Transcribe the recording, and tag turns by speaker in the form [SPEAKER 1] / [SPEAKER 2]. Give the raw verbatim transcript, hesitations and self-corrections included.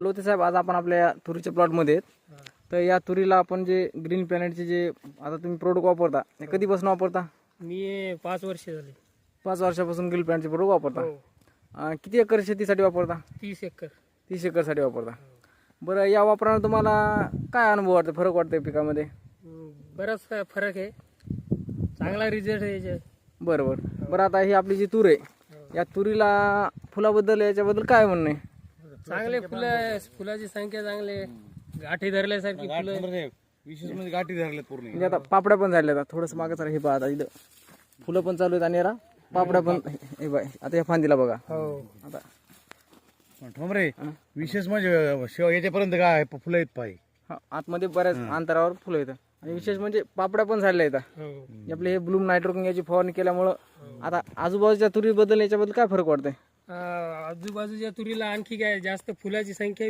[SPEAKER 1] लोते साहेब, आज आपण आपल्या तुरीच्या प्लॉटमध्ये आहेत. तर या तुरीला आपण जे ग्रीन प्लॅनेटचे जे आता तुम्ही प्रोडक्ट वापरता ते कधीपासून वापरता?
[SPEAKER 2] मी पाच वर्ष झाली.
[SPEAKER 1] पाच वर्षापासून ग्रीन प्लॅनेटचे प्रोडक्ट वापरता.
[SPEAKER 2] हो.
[SPEAKER 1] अं, किती एकर शेतीसाठी वापरता?
[SPEAKER 2] तीस एकर.
[SPEAKER 1] तीस एकरसाठी वापरता. बरं, या वापरानं तुम्हाला काय अनुभव वाटतो, फरक वाटतोय पिकामध्ये?
[SPEAKER 2] हम्म, बराच काय फरक आहे. चांगला रिझल्ट आहे याच्यात.
[SPEAKER 1] बरं बरं बरं आता ही आपली जी तूर आहे या तुरीला फुलाबद्दल याच्याबद्दल काय म्हणणं आहे?
[SPEAKER 2] चांगले फुलं आहे, फुलाची संख्या चांगली आहे. गाठी धरल्यासारखी फुलं.
[SPEAKER 3] विशेष म्हणजे गाठी धरल्यात पूर्ण.
[SPEAKER 1] म्हणजे आता पापड्या पण झाल्या, आता थोडंसं मागं जरा हे पहा, आता इथं फुलं पण चालू आहेत आणि याला पापड्या पण. हे बाय, आता या फांदीला बघा.
[SPEAKER 2] हो.
[SPEAKER 1] आता
[SPEAKER 3] ठोंबरे विशेष म्हणजे शेव याच्यापर्यंत काय फुलं आहेत पाय.
[SPEAKER 1] हा, आतमध्ये बऱ्याच अंतरावर फुलं येतं आणि विशेष म्हणजे पापड्या पण झालेल्या आहेत.
[SPEAKER 2] हो.
[SPEAKER 1] आपले हे ब्लूम नायट्रोकिंग याची फवारणी केल्यामुळं आता आजूबाजूच्या तुरीबद्दल याच्याबद्दल काय फरक वाटतंय?
[SPEAKER 2] आ, आजूबाजूच्या तुरीला आणखी काय जास्त फुलाची संख्या